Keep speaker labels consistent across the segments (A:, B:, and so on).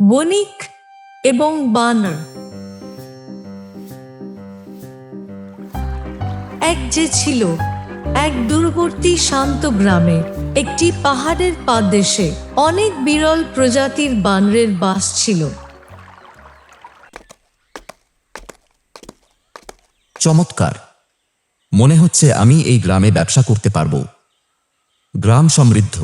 A: বণিক এবং বানর। এক যে ছিল এক দূরবর্তী শান্ত গ্রামে, একটি পাহাড়ের পাদদেশে অনেক বিরল প্রজাতির বানরের বাস ছিল।
B: চমৎকার! মনে হচ্ছে আমি এই গ্রামে ব্যবসা করতে পারবো। গ্রাম সমৃদ্ধ।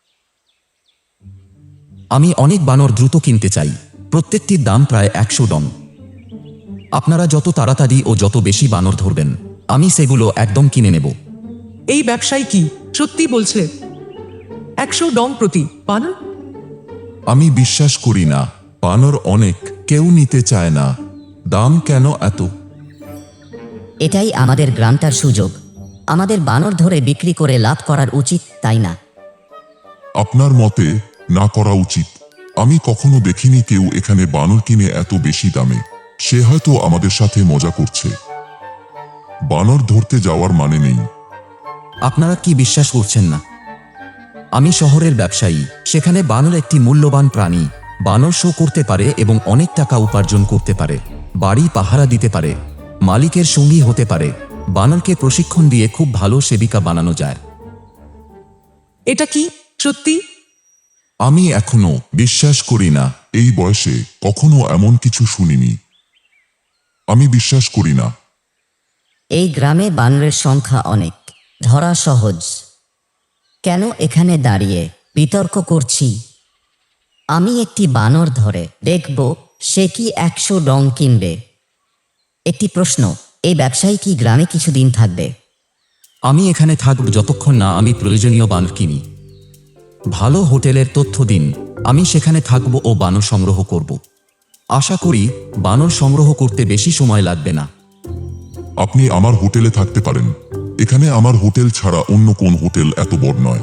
B: আমি অনেক বানর দ্রুত কিনতে চাই। প্রত্যেকটির দাম প্রায় 100 ডং। আপনারা যত তাড়াতাড়ি ও যত বেশি বানর ধরবেন, আমি সেগুলো একদম কিনে নেব।
C: এই ব্যবসায় কি সত্যি বলছে? 100 ডং প্রতি বানর?
D: আমি বিশ্বাস করি না। বানর অনেক, কেউ নিতে চায় না। দাম কেন এত?
E: এটাই আমাদের গ্রামটার সুযোগ। আমাদের বানর ধরে বিক্রি করে লাভ করার উচিত, তাই না?
D: আপনার মতে না করা উচিত। আমি কখনো দেখিনি কেউ এখানে বানর কিনে এত বেশি দামে। সে হয়তো আমাদের সাথে মজা করছে। বানর ধরতে যাওয়ার মানে নেই।
B: আপনারা কি বিশ্বাস করছেন না? আমি শহরের ব্যবসায়ী। সেখানে বানর একটি মূল্যবান প্রাণী। বানর শো করতে পারে এবং অনেক টাকা উপার্জন করতে পারে। বাড়ি পাহারা দিতে পারে, মালিকের সঙ্গী হতে পারে। বানরকে প্রশিক্ষণ দিয়ে খুব ভালো সেবিকা বানানো যায়।
C: এটা কি সত্যি?
D: আমি এখনো বিশ্বাস করি না। এই বয়সে কখনো এমন কিছু শুনিনি। আমি বিশ্বাস করি না।
E: এই গ্রামে বানরের সংখ্যা অনেক, ধরা সহজ। কেন এখানে দাঁড়িয়ে বিতর্ক করছি? আমি একটি বানর ধরে দেখব সে কি 100 ডং কিনবে। একটি প্রশ্ন, এই ব্যবসায়ী কি গ্রামে কিছুদিন থাকবে?
B: আমি এখানে থাকব যতক্ষণ না আমি প্রয়োজনীয় বানর কিনি। ভালো হোটেলের তথ্য দিন, আমি সেখানে থাকব ও বানর সংগ্রহ করব। আশা করি বানর সংগ্রহ করতে বেশি সময় লাগবে না।
D: আপনি আমার হোটেলে থাকতে পারেন। এখানে আমার হোটেল ছাড়া অন্য কোন হোটেল এত বড় নয়।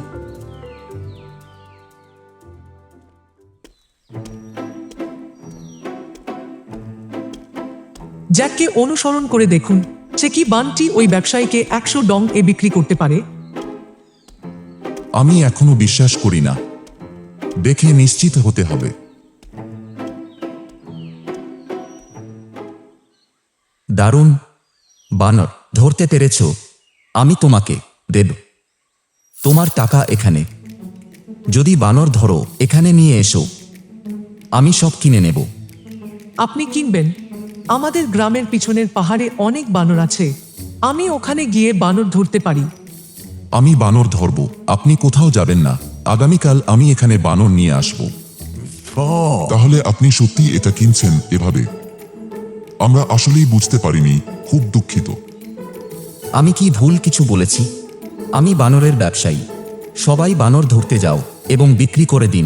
C: জ্যাককে অনুসরণ করে দেখুন, সে কি বানটি ওই ব্যবসায়ীকে 100 ডং এ বিক্রি করতে পারে।
D: আমি এখনো বিশ্বাস করি না। দেখে নিশ্চিত হতে হবে।
B: দারুণ! বানর ধরতে পেরেছ। আমি তোমাকে দেব। তোমার টাকা এখানে। যদি বানর ধরো এখানে নিয়ে এসো, আমি সব কিনে নেব।
C: আপনি কিনবেন? আমাদের গ্রামের পিছনের পাহাড়ে অনেক বানর আছে। আমি ওখানে গিয়ে বানর ধরতে পারি।
D: আমি বানর ধরব। আপনি কোথাও যাবেন না। আগামীকাল আমি এখানে বানর নিয়ে আসব। তাহলে আপনি সত্যি এটা কিনছেন এভাবে? আমরা আসলেই বুঝতে পারিনি। খুব দুঃখিত।
B: আমি কি ভুল কিছু বলেছি? আমি বানরের ব্যবসায়ী। সবাই বানর ধরতে যাও এবং বিক্রি করে দিন।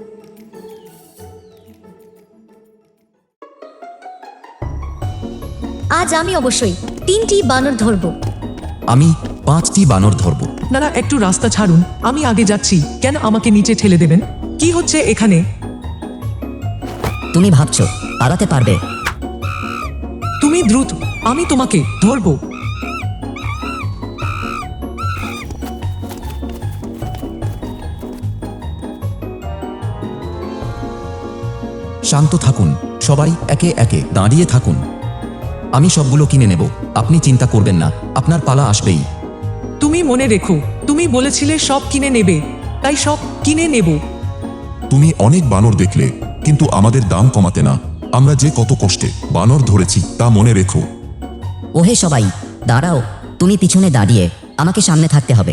F: আজ আমি অবশ্যই 3টি বানর ধরব।
B: আমি 5টি বানর ধরব।
C: আপনারা একটু রাস্তা ছাড়ুন, আমি আগে যাচ্ছি। কেন আমাকে নিচে ঠেলে দেবেন? কি হচ্ছে এখানে?
E: তুমি ভাবছো পালাতে পারবে?
C: তুমি দ্রুত, আমি তোমাকে ধরব।
B: শান্ত থাকুন সবাই, একে একে দাঁড়িয়ে থাকুন। আমি সবগুলো কিনে নেব। আপনি চিন্তা করবেন না, আপনার পালা আসবেই।
C: তুমি মনে রেখো, তুমি বলেছিলে সব কিনে নেবে, তাই সব কিনে নেব।
D: তুমি অনেক বানর দেখলে, কিন্তু আমাদের দাম কমাতে না। আমরা যে কত কষ্টে বানর ধরেছি তা মনে রেখো।
E: ওহে সবাই দাঁড়াও, তুমি পিছনে দাঁড়িয়ে আমাকে সামনে থাকতে হবে।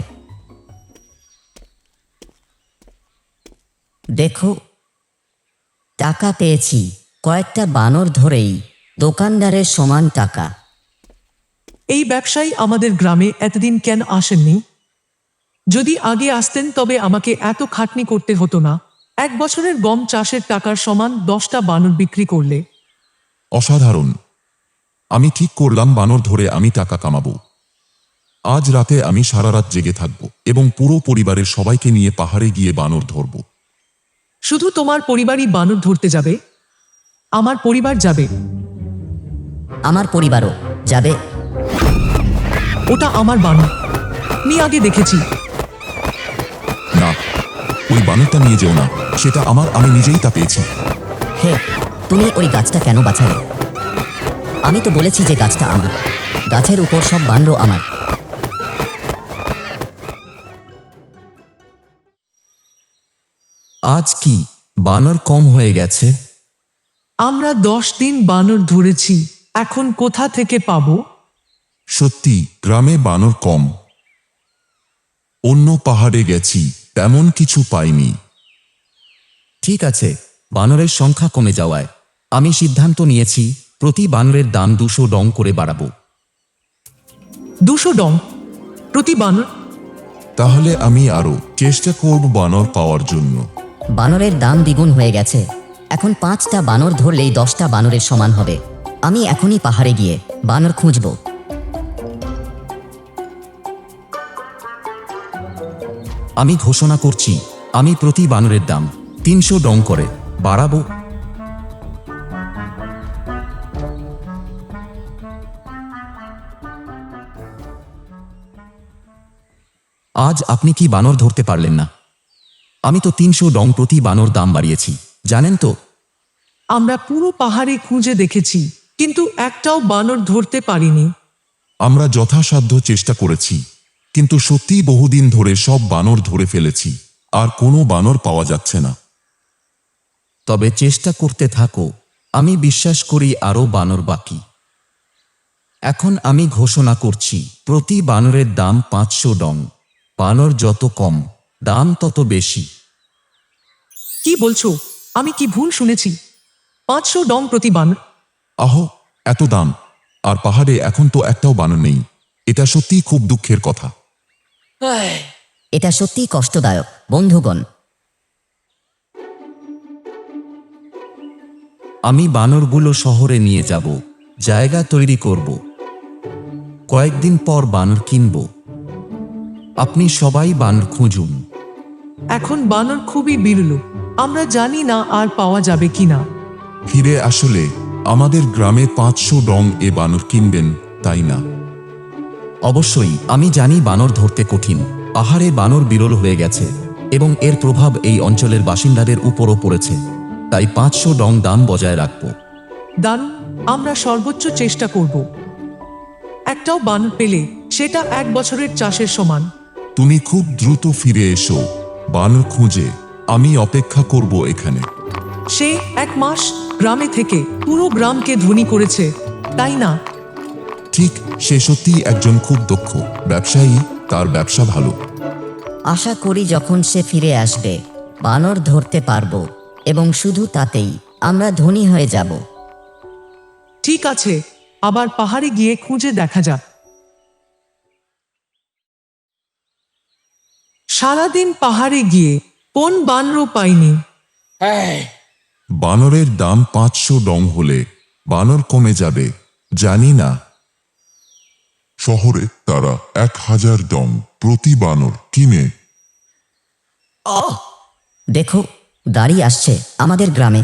E: দেখো, টাকা পেয়েছি। কয়েকটা বানর ধরেই দোকানদারের সমান টাকা।
C: এই ব্যবসায়ী আমাদের গ্রামে এতদিন কেন আসেননি? যদি আগে আসতেন তবে আমাকে এত খাটনি করতে হতো না। 1 বছরের গম চাষের টাকার সমান 10টা বানর বিক্রি করলে।
D: অসাধারণ! আমি ঠিক করলাম বানর ধরে আমি টাকা কামাবো। আজ রাতে আমি সারা রাত জেগে থাকব এবং পুরো পরিবারের সবাইকে নিয়ে পাহাড়ে গিয়ে বানর ধরব।
C: শুধু তোমার পরিবারই বানর ধরতে যাবে? আমার পরিবার যাবে।
E: আমার পরিবারও যাবে।
C: ওটা আমার বানর, আমি আগে দেখেছি।
D: না, ওই বানরটা নিয়ে যেও না। সেটা আমার, আমি নিজেই তা পেয়েছি।
E: হে, তুমি ওই গাছটা কেন বাঁচালে? আমি তো বলেছি যে গাছটা আমার, গাছের উপর সব বানরও আমার।
B: আজ কি বানর কম হয়ে গেছে?
C: আমরা 10 দিন বানর ধরেছি, এখন কোথা থেকে পাবো?
D: সত্যি গ্রামে বানর কম। অন্য পাহাড়ে গেছি, তেমন কিছু পাইনি।
B: ঠিক আছে, বানরের সংখ্যা কমে যাওয়ায় আমি সিদ্ধান্ত নিয়েছি প্রতি বানরের দাম 200 ডং করে বাড়াবো।
C: 200 ডং প্রতি বানর?
D: তাহলে আমি আরো চেষ্টা করব বানর পাওয়ার জন্য।
E: বানরের দাম দ্বিগুণ হয়ে গেছে। এখন 5টা বানর ধরলেই 10টা বানরের সমান হবে। আমি এখনই পাহাড়ে গিয়ে বানর খুঁজব।
B: আমি ঘোষণা করছি আমি প্রতি বানরের দাম 300 ডং করে বাড়াবো। আজ আপনি কি বানর ধরতে পারলেন না? আমি তো 300 ডং প্রতি বানর দাম বাড়িয়েছি, জানেন তো?
C: আমরা পুরো পাহাড়ে খুঁজে দেখেছি, কিন্তু একটাও বানর ধরতে পারিনি।
D: আমরা যথাসাধ্য চেষ্টা করেছি, কিন্তু সত্যিই বহুদিন ধরে সব বানর ধরে ফেলেছি, আর কোনো বানর পাওয়া যাচ্ছে না।
B: তবে চেষ্টা করতে থাকো, আমি বিশ্বাস করি আরও বানর বাকি। এখন আমি ঘোষণা করছি প্রতি বানরের দাম 500 ডং। বানর যত কম দাম তত বেশি।
C: কি বলছো? আমি কি ভুল শুনেছি? 500 ডং প্রতি বানর?
D: আহ, এত দাম! আর পাহাড়ে এখন তো একটাও বানর নেই। এটা সত্যিই খুব দুঃখের কথা।
E: এটা সত্যিই কষ্টদায়ক বন্ধুগণ।
B: আমি বানরগুলো শহরে নিয়ে যাব, জায়গা তৈরি করব, কয়েকদিন পর বানর কিনব। আপনি সবাই বানর খুঁজুন।
C: এখন বানর খুবই বিরল, আমরা জানি না আর পাওয়া যাবে কিনা।
D: ফিরে আসলে আমাদের গ্রামে 500 ডং এ বানর কিনবেন, তাই না?
B: অবশ্যই, আমি জানি বানর ধরতে কঠিন। পাহাড়ে বানর বিরল হয়ে গেছে এবং এর প্রভাব এই অঞ্চলের বাসিন্দাদের উপরও পড়েছে। তাই 500 ডং দাম বজায় রাখব।
C: দারুণ, আমরা সর্বোচ্চ চেষ্টা করব। একটাও বানর পেলে সেটা 1 বছরের চাষের সমান।
D: তুমি খুব দ্রুত ফিরে এসো বানর খুঁজে। আমি অপেক্ষা করব এখানে।
C: সে 1 মাস গ্রামে থেকে পুরো গ্রামকে ধনী করেছে, তাই না?
D: ঠিক, সে সত্যিই একজন খুব দক্ষ ব্যবসায়ী। তার ব্যবসা ভালো।
E: আশা করি যখন সে ফিরে আসবে বানর ধরতে পারবো, এবং শুধু তাতেই আমরা ধনী হয়ে যাব।
C: ঠিক আছে, আবার পাহাড়ে গিয়ে খুঁজে দেখা যাক। সারাদিন পাহাড়ে গিয়ে কোন বানরও পাইনি।
D: বানরের দাম 500 ডং হলে বানর কমে যাবে, জানি না। শহরে তারা 1000 ডং প্রতি বানর কিনে।
E: দেখো, গাড়ি আসছে আমাদের গ্রামে।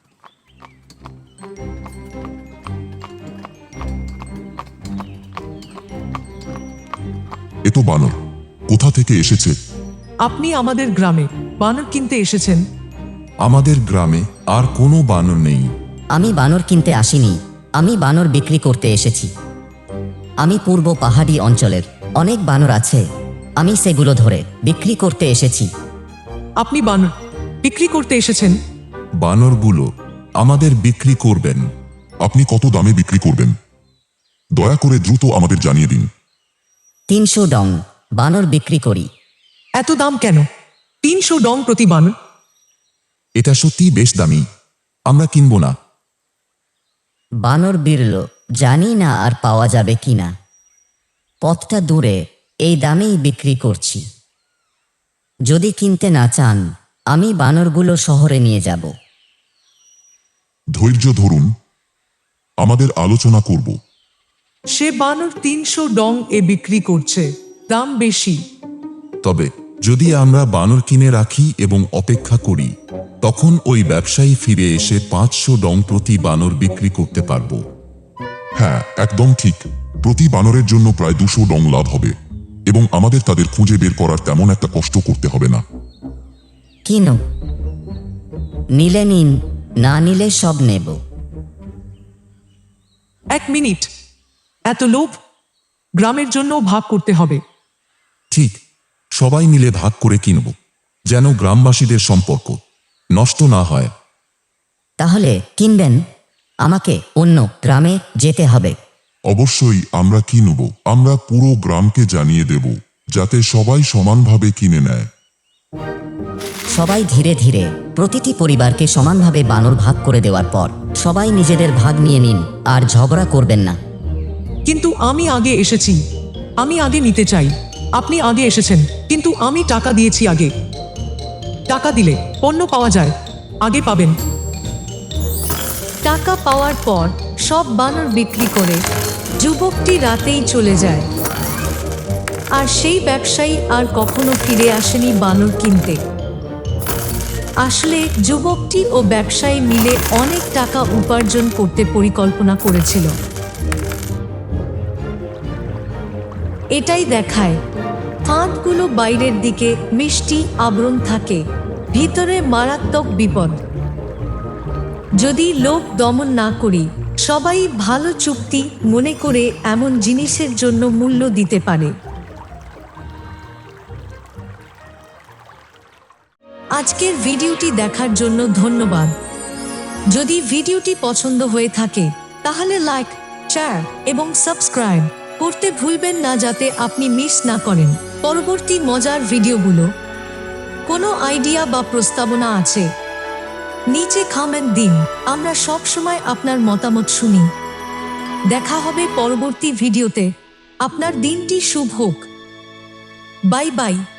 D: এ তো বানর। কোথা থেকে এসেছে?
C: আপনি আমাদের গ্রামে বানর কিনতে এসেছেন?
D: আমাদের গ্রামে আর কোনো বানর নেই।
E: আমি বানর কিনতে আসিনি, আমি বানর বিক্রি করতে এসেছি। আমি পূর্ব পাহাড়ি অঞ্চলের অনেক বানর আছে, আমি সেগুলো ধরে বিক্রি করতে এসেছি।
C: আপনি বানর বিক্রি করতে এসেছেন?
D: বানরগুলো আমাদের বিক্রি করবেন। আপনি কত দামে বিক্রি করবেন? দয়া করে দ্রুত আমাদের জানিয়ে দিন।
E: 300 ডং বানর বিক্রি করি।
C: এত দাম কেন? 300 ডং প্রতি বানর?
D: এটা সত্যিই বেশ দামি, আমরা কিনব না।
E: বানর বিরল, জানি না আর পাওয়া যাবে কিনা। পথটা দূরে, এই দামেই বিক্রি করছি। যদি কিনতে না চান আমি বানরগুলো শহরে নিয়ে যাব।
D: ধৈর্য ধরুন, আমাদের আলোচনা করব।
C: সে বানর 300 ডং এ বিক্রি করছে, দাম বেশি।
D: তবে যদি আমরা বানর কিনে রাখি এবং অপেক্ষা করি, তখন ওই ব্যবসায়ী ফিরে এসে 500 ডং প্রতি বানর বিক্রি করতে পারব। হ্যাঁ, একদম ঠিক। প্রতি বানরের জন্য প্রায় 200 ডং লাভ হবে, এবং আমাদের তাদের খুঁজে বের করার তেমন একটা কষ্ট করতে হবে না।
E: কিনো, নিলে নিন, না নিলে সব নেব।
C: 1 মিনিট, এত লোভ? গ্রামের জন্য ভাগ করতে হবে।
D: ঠিক, সবাই মিলে ভাগ করে কিনব, যেন গ্রামবাসীদের সম্পর্ক নষ্ট না হয়।
E: তাহলে কিনবেন? আমাকে অন্য গ্রামে যেতে হবে।
D: অবশ্যই আমরা কিনব। আমরা পুরো গ্রামকে জানিয়ে দেব, যাতে সবাই সমানভাবে কিনে নেয়।
E: সবাই ধীরে ধীরে প্রতিটি পরিবারকে সমানভাবে বানর ভাগ করে দেওয়ার পর সবাই নিজেদের ভাগ নিয়ে নিন, আর ঝগড়া করবেন না।
C: কিন্তু আমি আগে এসেছি, আমি আগে নিতে চাই। আপনি আগে এসেছেন, কিন্তু আমি টাকা দিয়েছি আগে। টাকা দিলে পণ্য পাওয়া যায়, আগে পাবেন।
A: টাকা পাওয়ার পর সব বানর বিক্রি করে যুবকটি রাতেই চলে যায়। আর সেই ব্যবসায়ী আর কখনো ফিরে আসেনি বানর কিনতে। আসলে যুবকটি ও ব্যবসায়ী মিলে অনেক টাকা উপার্জন করতে পরিকল্পনা করেছিল। এটাই দেখায়, ফাঁদগুলো বাইরের দিকে মিষ্টি আবরণ থাকে, ভিতরে মারাত্মক বিপদ। যদি লোভ দমন না করি, সবাই ভালো চুক্তি মনে করে এমন জিনিসের জন্য মূল্য দিতে পারে। আজকের ভিডিওটি দেখার জন্য ধন্যবাদ। যদি ভিডিওটি পছন্দ হয়ে থাকে তাহলে লাইক, শেয়ার এবং সাবস্ক্রাইব করতে ভুলবেন না, যাতে আপনি মিস না করেন পরবর্তী মজার ভিডিওগুলো। কোনো আইডিয়া বা প্রস্তাবনা আছে? নিচে কমেন্ট দিন, আমরা সব সময় আপনার মতামত শুনি। দেখা হবে পরবর্তী ভিডিওতে। আপনার দিনটি শুভ হোক। Bye by.